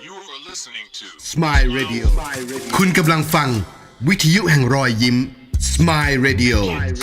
You're listening to Smile Radio คุณกำลังฟังวิทยุแห่งรอยยิ้ม Smile Radio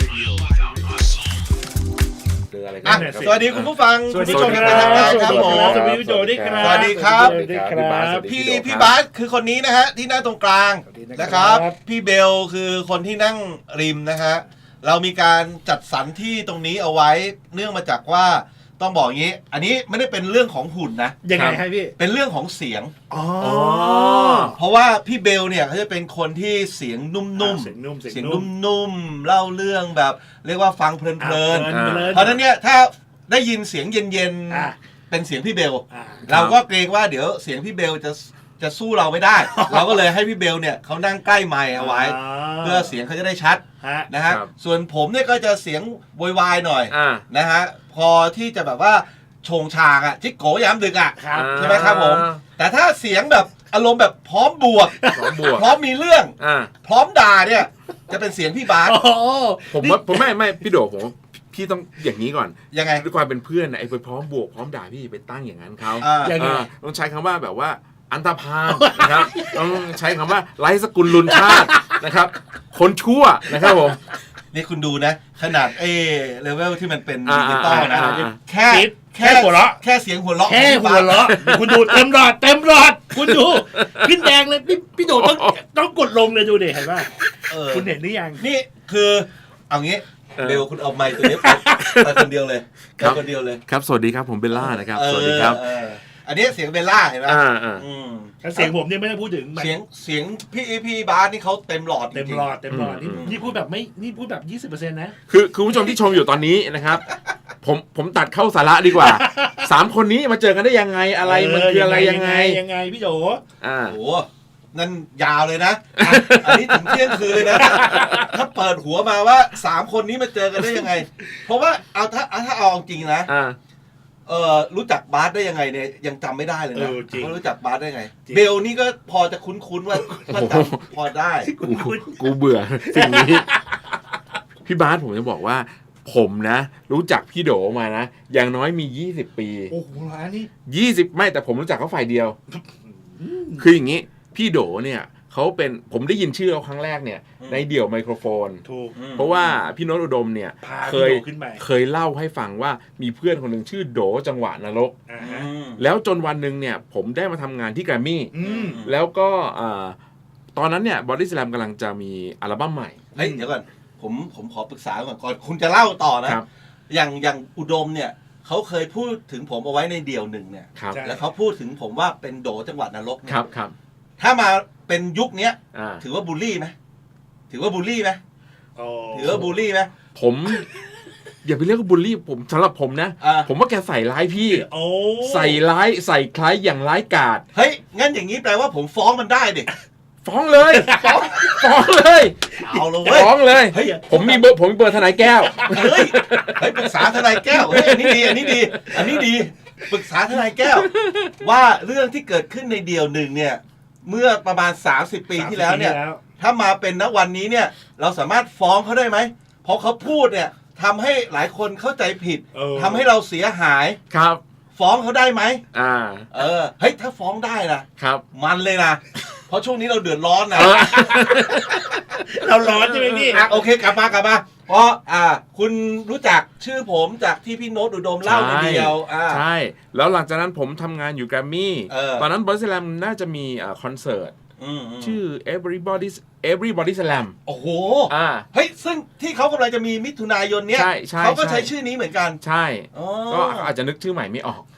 สวัสดีคุณผู้ฟังสวัสดีผู้ชมคที่รัเป็นทางการบครับผมสวัสดีพี่โจด้วยครับสวัสดีครับสวัสดีครับพี่บาสคือคนนี้นะฮะที่นั่งตรงกลางนะครับ พี่เบลคือคนที่นั่งริมนะฮะเรามีการจัดสรรที่ตรงนี้เอาไว้เนื่องมาจากว่าต้องบอกอย่างนี้ อันนี้ไม่ได้เป็นเรื่องของหุ่นนะยังไงให้พี่เป็นเรื่องของเสียงอ๋อเพราะว่าพี่เบลเนี่ยเขาจะเป็นคนที่เสียงนุ่มเสียงนุ่มๆเสียงนุ่มๆเล่าเรื่องแบบเรียกว่าฟังเพลินเพลินๆเพราะฉะนั้นเนี่ยถ้าได้ยินเสียงเย็นอ่ะๆเป็นเสียงพี่เบลอ่ะเราก็เกรงว่าเดี๋ยวเสียงพี่เบลจะสู้เราไม่ได้ เราก็เลยให้พี่เบลเนี่ยเขานั่งใกล้ไมค์เอาไว้ เพื่อเสียงเขาจะได้ชัดฮะนะฮะครับส่วนผมเนี่ยก็จะเสียงโวยวายหน่อย นะฮะพอที่จะแบบว่าโชงชางอ่ะจิกโกยามดึกอ่ะครับใช่ไหมครับผมแต่ถ้าเสียงแบบอารมณ์แบบพร้อมบวกพร้อมบวกพร้อมมีเรื่องอ่าพร้อมด่าเนี่ยจะเป็นเสียงพี่บาสโอ้โหผมว่าผมไม่พี่โดผมพี่ต้องอย่างนี้ก่อนยังไงด้วยความเป็นเพื่อนนะไอ้ไปพร้อมบวกพร้อมด่าพี่ไปตั้งอย่างนั้นเขายังไงต้องใช้คำว่าแบบว่าอันตรพานนะครับต้องใช้คำว่าไร้สกุลลุนชาตินะครับ คนชั่วนะครับผมนี่คุณดูนะ ขนาดเลเวลที่มันเป็นอ่าดิจิตอลนะ แค่แค่หัวเราะแค่เสียงหัวเราะแค่หัวเราะคุณดูเต็มหลอดคุณดูขึ้นแดงเลยพี่โดต้องกดลงเลยดูดิเห็นป่ะเออคุณเห็นหรือยังนี่คือเอางี้เออเบลคุณเอาไมค์ตัวนี้ไปคนเดียวเลยครับไปคนเดียวเลยครับสวัสดีครับผมเบลล่านะครับสวัสดีครับเอออันนี้เสียงเบลล่าเห็นไหมอ่าอืมแล้วเสียงผมเนี่ยไม่ได้พูดถึงเสียงพี่บาสนี่เขาเต็มหลอดจริงๆเต็มหลอดนี่พูดแบบไม่นี่พูดแบบ 20% นะคือคุณผู้ชมที่ชมอยู่ตอนนี้นะครับ ผมตัดเข้าสาระดีกว่าสามคนนี้มาเจอกันได้ยังไงอะไรมันคืออะไรยังไงยังไงพี่โจอ่าโอ้โหนั่นยาวเลยนะ อันนี้ถึงเที่ยงคืนเลยนะ ถ้าเปิดหัวมาว่า3คนนี้มาเจอกันได้ยังไง เพราะว่าถ้าเอาจริงนะอ่ารู้จักบาสได้ยังไงเนี่ยยังจำไม่ได้เลยนะจริงว่ารู้จักบาสได้ไงจริงเบลนี่ก็พอจะคุ้นๆว่าจำพอได้กูเบื่อสิ่งนี้ พี่บาสผมจะบอกว่า ผมนะ รู้จักพี่โดมานะ อย่างน้อยมี20 ปีโอ้โหร้านนี้ 20ไม่แต่ผมรู้จักเขาฝ่ายเดียว คืออย่างนี้ พี่โดเนี่ยเขาเป็นผมได้ยินชื่อเขาครั้งแรกเนี่ย ในเดี่ยวไมโครโฟนถูกเพราะว่าพี่โน้ตอุดมเนี่ยพาเคพี่ยโดขึ้นไปเคยเล่าให้ฟังว่ามีเพื่อนคนหนึ่งชื่อโดจังหวะนรกอ่าอืฮะมแล้วจนวันหนึ่งเนี่ย ผมได้มาทำงานที่แกรมมี่อืมแล้วก็ตอนนั้นเนี่ยบอดี้สแลมกำลังจะมีอัลบั้มใหม่เฮ้ยเดี๋ยวก่อนผมขอปรึกษาก่อนคุณจะเล่าต่อนะครับ อย่างอุดมเนี่ยเขาเคยพูดถึงผมเอาไว้ในเดี่ยวหนึ่งเนี่ยครับใช่แล้วเขาพูดถึงผมว่าเป็นโดจังหวัดนรกเนี่ยครับครับถ้ามาเป็นยุคเนี้ยอ่าถือว่าบูลลี่ไหมถือว่าบูลลี่ไหมโอ้ถือว่าบูลลี่ไหมผม อย่าไปเรียกว่าบูลลี่ผมสำหรับผมนะอ่าผมว่าแกใส่ร้ายพี่โอ้ใส่ร้ายใส่คล้ายอย่างร้ายกาจเฮ้ยงั้นอย่างนี้แปลว่าผมฟ้องมันได้ดิฟ้องเลยฟ้องเลยเอาเลยเว้ยฟ้องเลยเฮ้ยผมมีเบอร์ทนายแก้วเฮ้ยปรึกษาทนายแก้วเฮ้ยอันนี้ดีอันนี้ดีปรึกษาทนายแก้ว ว่าเรื่องที่เกิดขึ้นในเดี่ยวหนึ่งเนี่ยเมื่อประมาณ30 ปีที่แล้วเนี่ย ถ้ามาเป็นณวันนี้เนี่ยเราสามารถฟ้องเขาได้ไหมเพราะเขาพูดเนี่ยทำให้หลายคนเข้าใจผิดเออทำให้เราเสียหายครับฟ้องเขาได้ไหมอ่าเฮ้ยถ้าฟ้องได้นะครับ มันเลยนะเพราะช่วงนี้เราเดือดร้อนนะเราร้อนใช่ไหมพี่โอเคกลับมาเพราะคุณรู้จักชื่อผมจากที่พี่โน้ตอุดมเล่าในเดียวใช่ แล้วหลังจากนั้นผมทำงานอยู่แกรมมี่ ตอนนั้นบอดี้สแลมน่าจะมีคอนเสิร์ต ชื่อ Everybody Slam โอ้โหอ่าเฮ้ยซึ่งที่เขากำลังจะมีมิถุนายนเนี้ยใช่ใช่เขาก็ใช่ใช้ชื่อนี้เหมือนกันใช่อ๋อก็อาจจะนึกชื่อใหม่ไม่ออก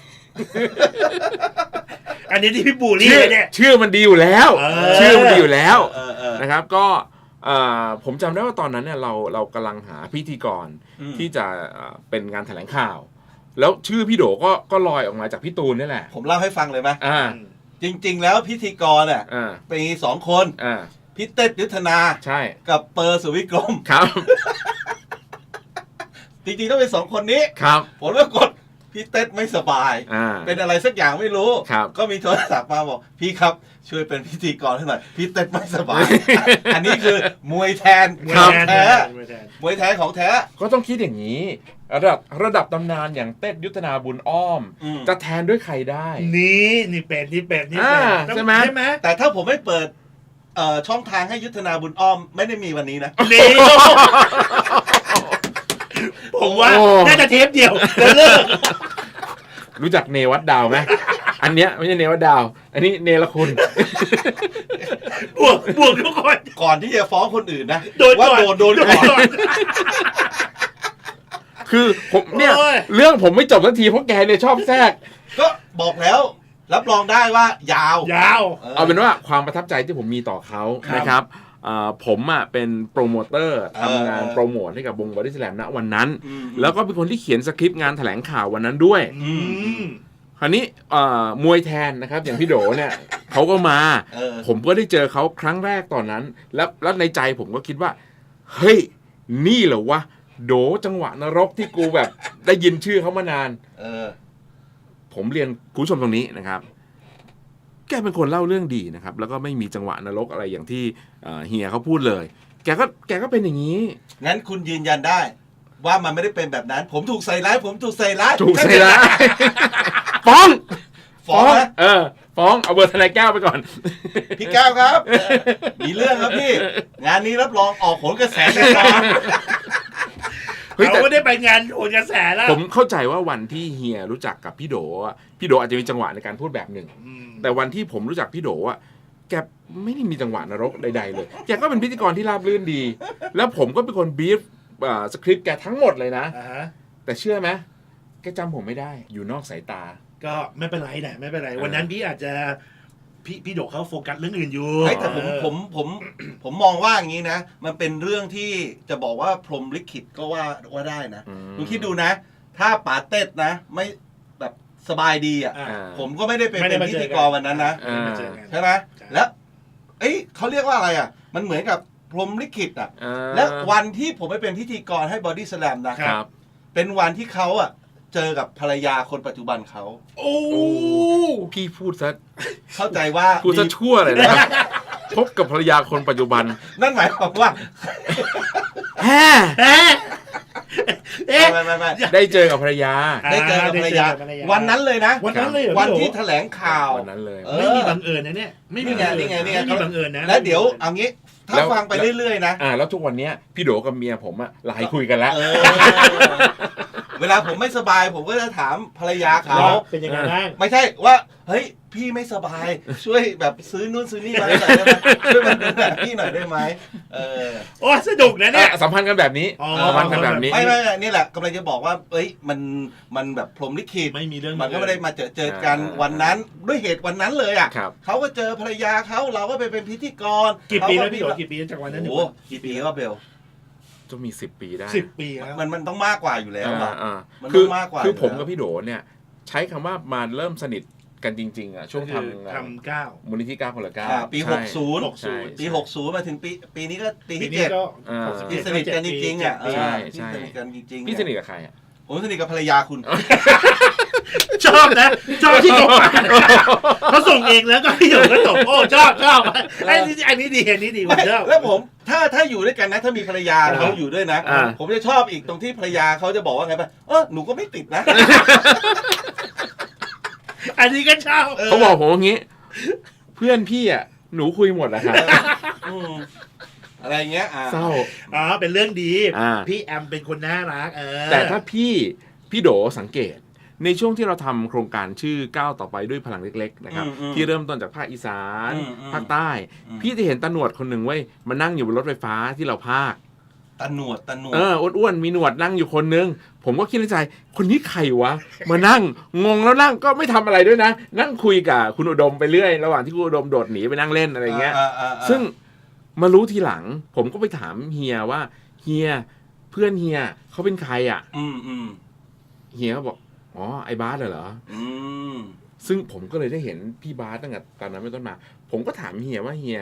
อันนี้ที่พี่บูลลี่เลยเนี่ยชื่อมันดีอยู่แล้ว ชื่อมันดีอยู่แล้วเออนะครับก็ผมจำได้ว่าตอนนั้นเนี่ยเรากำลังหาพิธีกรอืมที่จะเป็นงานแถลงข่าว แล้วชื่อพี่โดก็ลอยออกมาจากพี่ตูนนี่แหละผมเล่าให้ฟังเลยไหมอ่าจริง ๆ แล้วพิธีกรอ่ะอ่ามี2 คนอ่าพี่เต้ยุทธนาใช่กับเปอร์สุวิกรมครับจริงๆต้องเป็น2 คนนี้ครับผลปรากฏพี่เต้ไม่สบายอ่าเป็นอะไรสักอย่างไม่รู้ครับก็มีโทรศัพท์มาบอกพี่ครับช่วยเป็นพิธีกรให้หน่อยพี่เต้ไม่สบาย อันนี้คือมวยแทนครับแท้มวยแท้ของแท้ก็ต้องคิดอย่างนี้ ระดับตำนานอย่างเต้ยุทธนาบุญอ้อมอืมจะแทนด้วยใครได้นี่เป็ดอ่าใช่ไหมแต่ถ้าผมไม่เปิดช่องทางให้ยุทธนาบุญอ้อมไม่ได้มีวันนี้นะนี่ผมว่าโอ้น่าจะเทปเดียวแล้วเลิกรู้จักเนวัดดาวไหมอันเนี้ยไม่ใช่เนวัดดาว อันนี้เนรคุณบวกทุกคนก่อนที่จะฟ้องคนอื่นนะโดนว่าก่อนโดนก่อนคือผมเนี่ยโอ้ยเรื่องผมไม่จบสักทีเพราะแกเนี่ยชอบแทรกก็บอกแล้ว รับรองได้ว่ายาวยาวเอาเป็นว่าความประทับใจที่ผมมีต่อเขาครับนะครับผมเป็นโปรโมเตอร์เออทำงานโปรโมทให้กับวงบอดี้สแลมณวันนั้นอืมแล้วก็เป็นคนที่เขียนสคริปต์งานแถลงข่าววันนั้นด้วยอืมคราวนี้มวยแทนนะครับ อย่างพี่โดเนี่ย เขาก็มาเออผมก็ได้เจอเขาครั้งแรกตอนนั้น แล้วในใจผมก็คิดว่า เฮ้ย นี่เหรอวะ โดจังหวะนรกที่กูแบบ ได้ยินชื่อเขามานานเออผมเรียนคุณผู้ชมตรงนี้นะครับ แกเป็นคนเล่าเรื่องดีนะครับ แล้วก็ไม่มีจังหวะนรกอะไรอย่างที่เฮียเขาพูดเลย แกก็เป็นอย่างนี้งั้นคุณยืนยันได้ ว่ามันไม่ได้เป็นแบบนั้น ผมถูกใส่ร้าย ผมถูกใส่ร้ายถูกใช่แล้ว ฟ้องฟ้องนะฟ้องเอาเบอร์ทนายแก้วไปก่อนพี่แก้วครับมีเรื่องครับพี่ งานนี้รับรองออกผลกระแสแน่นอนเฮ้ยแต่เขาไม่ได้ไปงานโอนกระแสแล้วผมเข้าใจว่าวันที่เฮียรู้จักกับพี่โดอะพี่โดอาจจะมีจังหวะในการพูดแบบหนึ่ง แต่วันที่ผมรู้จักพี่โดอะแกไม่ได้มีจังหวะนรกใดๆเลย แกก็เป็นพิธีกรที่ราบรื่นดี แล้วผมก็เป็นคนบีฟสคริปต์แกทั้งหมดเลยนะ แต่เชื่อไหมแกจำผมไม่ได้ อยู่นอกสายตาก็ไม่เป็นไรนะไม่เป็นไร วันนั้นพี่อาจจะพี่โดเขาโฟกัสเรื่องอื่นอยู่เฮ้ยแต่ผมมองว่าอย่างนี้นะ มันเป็นเรื่องที่จะบอกว่าพรหมลิขิตก็ว่าได้นะอืมคุณคิดดูนะ ถ้าป๋าเต้นะ ไม่แบบสบายดีอ่ะอ่าผมก็ไม่ได้ไปเป็นพิธีกรวันนั้นนะอ่าไม่เจอกันใช่ไหมแล้วเอ้ยเขาเรียกว่าอะไรอ่ะ มันเหมือนกับพรหมลิขิตอ่ะ และวันที่ผมไปเป็นพิธีกรให้บอดี้สแลมนะครับเป็นวันที่เขาอ่ะ เจอกับภรรยาคนปัจจุบันเขาโอ้พี่พูดซะเข้าใจว่าพูดซะชั่วเลยนะ พบกับภรรยาคนปัจจุบันนั่นหมายความว่าแฮ่เอ๊ะไม่ได้เจอกับภรรยาได้เจอกับภรรยาได้เจอกับภรรยาวันนั้นเลยนะวันนั้นเลยเหรอวันพี่ที่โดแถลงข่าววันนั้นเลยเออไม่มีบังเอิญนะเนี่ยไม่มีบังเอิญนี่ไงไม่มีบังเอิญนะแล้วเดี๋ยวเอางี้ ถ้าแล้วฟังไปเรื่อยๆนะแล้วทุกวันเนี้ยพี่โดกับเมียผมอะไลน์คุยกันแล้วเออ เวลาผมไม่สบาย ผมก็จะถามภรรยาเขาแล้วเป็นยังไงบ้างไม่ใช่ว่าเฮ้ยพี่ไม่สบาย ช่วยแบบซื้อนู่นซื้อนี่มาให้หน่อยได้ไหมช่วยมาดูแลพี่หน่อยได้ไหมเออโอ้สนุกนะเนี่ยสัมพันธ์กันแบบนี้อ๋อสัมพันธ์กันแบบนี้ไม่นี่แหละกำลังจะบอกว่าเอ้ยมันแบบพรหมลิขิตไม่มีเรื่องมันก็ไม่ได้มาเจอกันวันนั้นด้วยเหตุวันนั้นเลยอ่ะครับเขาก็เจอภรรยาเขาเราก็ไปเป็นพิธีกรกี่ปีแล้วเขาพี่โดกี่ปีจากวันนั้นถึงโอ้โหกี่ปีก็เบลจะมี10 ปีได้ 10 ปีแล้วมันต้องมากกว่าอยู่แล้วอะ มันคือต้องมากกว่าคืออยู่ผมแล้วกับพี่โดเนี่ย ใช้คำว่ามาเริ่มสนิทกันจริงๆอ่ะช่วงทำทำก้าวมูลนิธิ9 คนละอ่า 9 ปีใช่ 60 ใช่ปี60มาถึงปีนี้ก็ปีปีที่นี้เจ็ดก็อ่าที่สนิทกันจริงๆอ่ะปีใช่ที่สนิทกันจริงๆพี่สนิทกับใครอ่ะผมสนิทกับภรรยาคุณชอบนะชอบที่ส่งมาเขาส่งเองแล้วก็พี่โดก็ส่งโอ้ชอบอันนี้ดีผมชอบแล้วผมถ้าอยู่ด้วยกันนะ ถ้ามีภรรยาเขาอยู่ด้วยนะอ่าผมจะชอบอีกตรงที่ภรรยาเขาจะบอกว่าไงป่ะหนูก็ไม่ติดนะอันนี้ก็ชอบเขาบอกผมอย่างงี้ เพื่อนพี่อ่ะหนูคุยหมดนะครับอืมอะไรเงี้ยเศร้าอ๋อเป็นเรื่องดีอ่าพี่แอมเป็นคนน่ารักแต่ถ้าพี่โดสังเกต ในช่วงที่เราทำโครงการชื่อก้าวต่อไปด้วยพลังเล็กๆนะครับที่เริ่มต้นจากภาคอีสานภาคใต้ พี่จะเห็นตาหนวดคนหนึ่งเว้ยมานั่งอยู่บนรถไฟฟ้าที่เราพากตาหนวดอ้วนๆมีหนวดนั่งอยู่คนนึงผมก็คิดในใจคนนี้ใครวะมานั่งงงแล้วนั่งก็ไม่ทำอะไรด้วยนะ นั่งคุยกับคุณอุดมไปเรื่อยระหว่างที่คุณอุดมโดดหนีไปนั่งเล่นอะไรเงี้ยซึ่งมารู้ทีหลังผมก็ไปถามเฮียว่าเฮียเพื่อนเฮียเขาเป็นใครอ่ะเฮียก็บอกอ๋อไอ้บาสเหรอซึ่งผมก็เลยได้เห็นพี่บาสตั้งแต่ตอนนั้นเป็นต้นมาผมก็ถามเฮียว่าเฮีย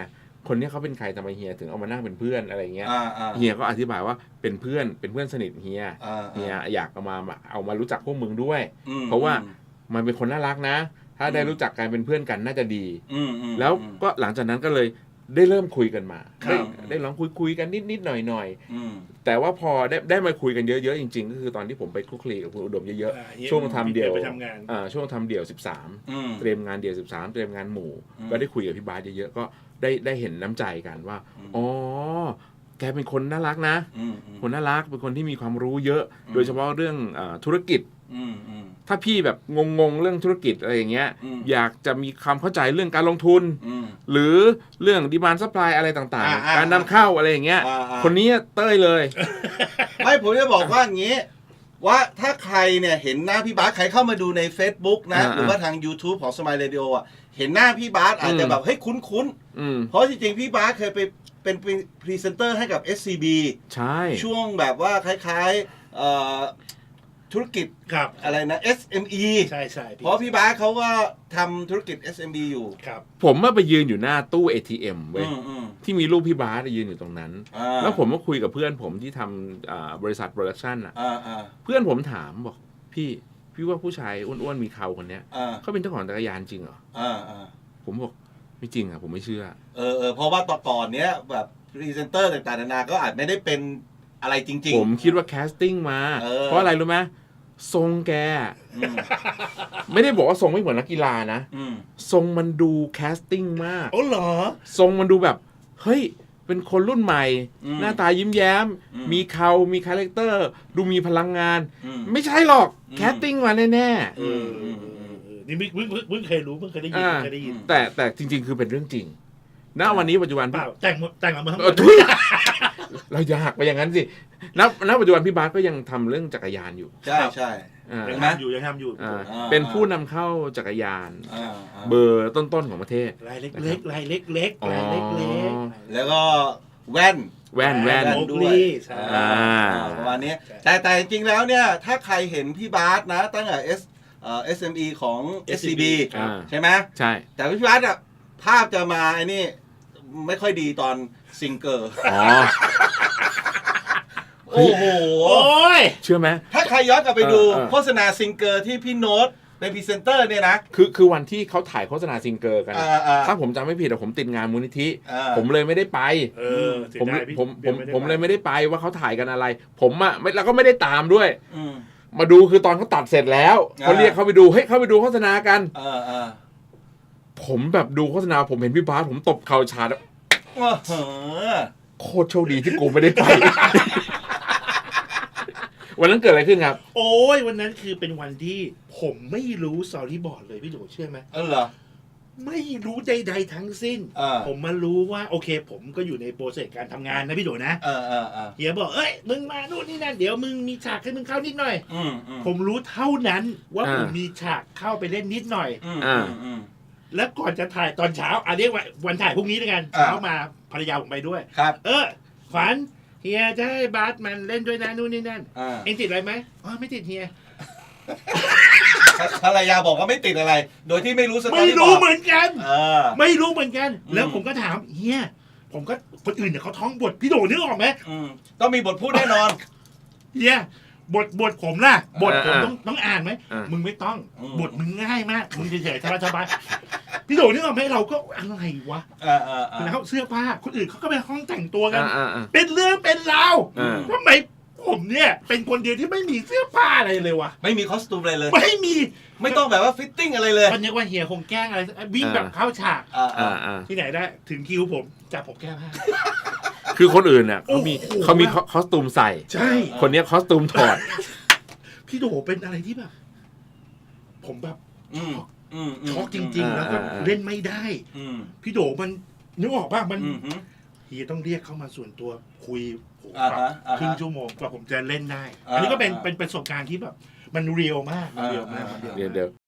คนนี้เขาเป็นใครทำไมเฮียถึงเอามานั่งเป็นเพื่อนอะไรเงี้ยอ่าเฮียก็อธิบายว่าเป็นเพื่อนสนิทเฮีย เฮียอยากเอามารู้จักพวกมึงด้วย เพราะว่ามันเป็นคนน่ารักนะ ถ้าได้รู้จักกันเป็นเพื่อนกันน่าจะดีแล้วก็หลังจากนั้นก็เลยได้เริ่มคุยกันมาได้ลองคุยกันนิดหน่อยแต่ว่าพอได้มาคุยกันเยอะๆจริงๆก็คือตอนที่ผมไปคลุกคลีกับคุณอุดมเยอะๆช่วงทำเดี่ยวช่วงทำเดี่ยว13เตรียมงานเดี่ยว13เตรียมงานหมู่ก็ได้คุยกับพี่บาสเยอะๆก็ได้เห็นน้ำใจกันว่าอ๋อแกเป็นคนน่ารักนะคนน่ารักเป็นคนที่มีความรู้เยอะโดยเฉพาะเรื่องธุรกิจถ้าพี่แบบงงเรื่องธุรกิจอะไรอย่างเงี้ยอยากจะมีความเข้าใจเรื่องการลงทุนหรือเรื่องดีมานด์ซัพพลายอะไรต่างๆการนำเข้าอะไรอย่างเงี้ยคนนี้เต้ยเลยไม่ผมจะบอกว่าอย่างนี้ว่าถ้าใครเนี่ยเห็นหน้าพี่บาสใครเข้ามาดูใน Facebook นะหรือว่าทาง YouTube ของ Smile Radio อ่ะเห็นหน้าพี่บาสอาจจะแบบเฮ้ยคุ้นๆเพราะจริงๆพี่บาสเคยไปเป็นพรีเซนเตอร์ให้กับ SCB ใช่ช่วงแบบว่าคล้ายๆธุรกิจครับอะไรนะ SME ใช่เพราะพี่บาสเขาก็ทำธุรกิจ SME อยู่ครับผมไปยืนอยู่หน้าตู้ ATM เว้ยที่มีรูปพี่บาสยืนอยู่ตรงนั้น แล้วผมก็คุยกับเพื่อนผมที่ทำบริษัทโปรดักชันอ่ะเพื่อนผมถามบอกพี่ว่าผู้ชายอ้วนๆมีเขาคนเนี้ยเขาเป็นเจ้าของจักรยานจริงเหรอผมบอกไม่จริงอ่ะผมไม่เชื่อเพราะว่าต่อก่อนเนี้ยแบบพรีเซนเตอร์ต่างๆนานาก็อาจไม่ได้เป็นอะไรจริงๆผมคิดว่าแคสติ้งมาเพราะอะไรรู้ไหมทรงแกไม่ได้บอกว่าทรงไม่เหมือนนักกีฬานะทรงมันดูแคสติ้งมากโอ้เหรอทรงมันดูแบบเฮ้ยเป็นคนรุ่นใหม่หน้าตายิ้มแย้มมีเขามีคาแรคเตอร์ดูมีพลังงานไม่ใช่หรอกแคสติ้งมาแน่ๆนี่เพิ่งเคยรู้เพิ่งเคยได้ยินแต่จริงๆคือเป็นเรื่องจริงณวันนี้ปัจจุบันเปล่าแต่งมาทั้งหมดเราอยากไปอย่างนั้นสิณปัจจุบันพี่บาสก็ยังทำเรื่องจักรยานอยู่ใช่ยังทำอยู่เป็นผู้นำเข้าจักรยานเบอร์ต้นๆของประเทศรายเล็กแล้วก็แว่นด้วยประมาณนี้แต่จริงๆแล้วเนี่ยถ้าใครเห็นพี่บาสนะตั้งแต่SME ของ SCB ใช่ไหมใช่แต่พี่บาสอะภาพจะมาไอ้นี่ไม่ค่อยดีตอนซิงเกอร์โอ้โหเชื่อไหมถ้าใครย้อนกลับไปดูโฆษณาซิงเกอร์ที่พี่โน้ตเป็นพรีเซนเตอร์เนี่ยนะคือวันที่เขาถ่ายโฆษณาซิงเกอร์กันถ้าผมจำไม่ผิดแต่ผมติดงานมูลนิธิผมเลยไม่ได้ไปผมเลยไม่ได้ไปว่าเขาถ่ายกันอะไรผมอ่ะแล้วก็ไม่ได้ตามด้วยมาดูคือตอนเขาตัดเสร็จแล้วเขาเรียกเขาไปดูเฮ้ยเข้าไปดูโฆษณากันผมแบบดูโฆษณาผมเห็นพี่บาสผมตบเข่าชาแล้วโคตรโชคดีที่กูไม่ได้ไป วันนั้นเกิดอะไรขึ้นครับโอ้ยวันนั้นคือเป็นวันที่ผมไม่รู้สตอรี่บอร์ดเลยพี่โดเชื่อไหมเหรอไม่รู้ใดๆทั้งสิ้นผมมารู้ว่าโอเคผมก็อยู่ในโปรเซสการทำงานนะพี่โดนะเฮียบอกเอ้ยมึงมานู่นนี่นั่นเดี๋ยวมึงมีฉากให้มึงเข้านิดหน่อยผมรู้เท่านั้นว่าผมมีฉากเข้าไปเล่นนิดหน่อยแล้วก่อนจะถ่ายตอนเช้าเรียกว่าวันถ่ายพรุ่งนี้ด้วยกันเช้ามาภรรยาผมไปด้วยครับขวัญเฮียจะให้บาสมันเล่นด้วยนะนู่นนี่นั่นเอ็งติดอะไรไหมไม่ติดเฮียภรรยาบอกว่าไม่ติดอะไรโดยที่ไม่รู้สตอรี่ไม่รู้เหมือนกันไม่รู้เหมือนกันแล้วผมก็ถามเฮียผมก็คนอื่นเนี่ยเขาท้องบทพี่โดนึกออกไหมต้องมีบทพูดแน่นอนเฮียบทผมล่ะบทผมต้องอ่านไหมมึงไม่ต้องบทมึงง่ายมากมึงเฉยๆสบายๆพี่โดนึกออกไหมเราก็อะไรวะแล้วเสื้อผ้าคนอื่นเขาก็ไปห้องแต่งตัวกันเป็นเรื่องเป็นราวทำไมผมเนี่ยเป็นคนเดียวที่ไม่มีเสื้อผ้าอะไรเลยวะไม่มีคอสตูมอะไรเลยไม่ต้องแบบว่าฟิตติ้งอะไรเลยตอนนี้ว่าเฮียคงแกล้งอะไรวิ่งแบบเข้าฉากที่ไหนได้ถึงคิวผมจับผมแก้ผ้าคือคนอื่นน่ะเขามีคอสตูมใส่ใช่คนนี้คอสตูมถอดพี่โดเป็นอะไรที่แบบผมแบบช็อกจริงๆแล้วก็เล่นไม่ได้พี่โดมันนึกออกป่ะมันเฮียต้องเรียกเข้ามาส่วนตัวคุยครึ่งชั่วโมงกว่าผมจะเล่นได้อันนี้ก็เป็นประสบการณ์ที่แบบมันเรียลมากเดี๋ยว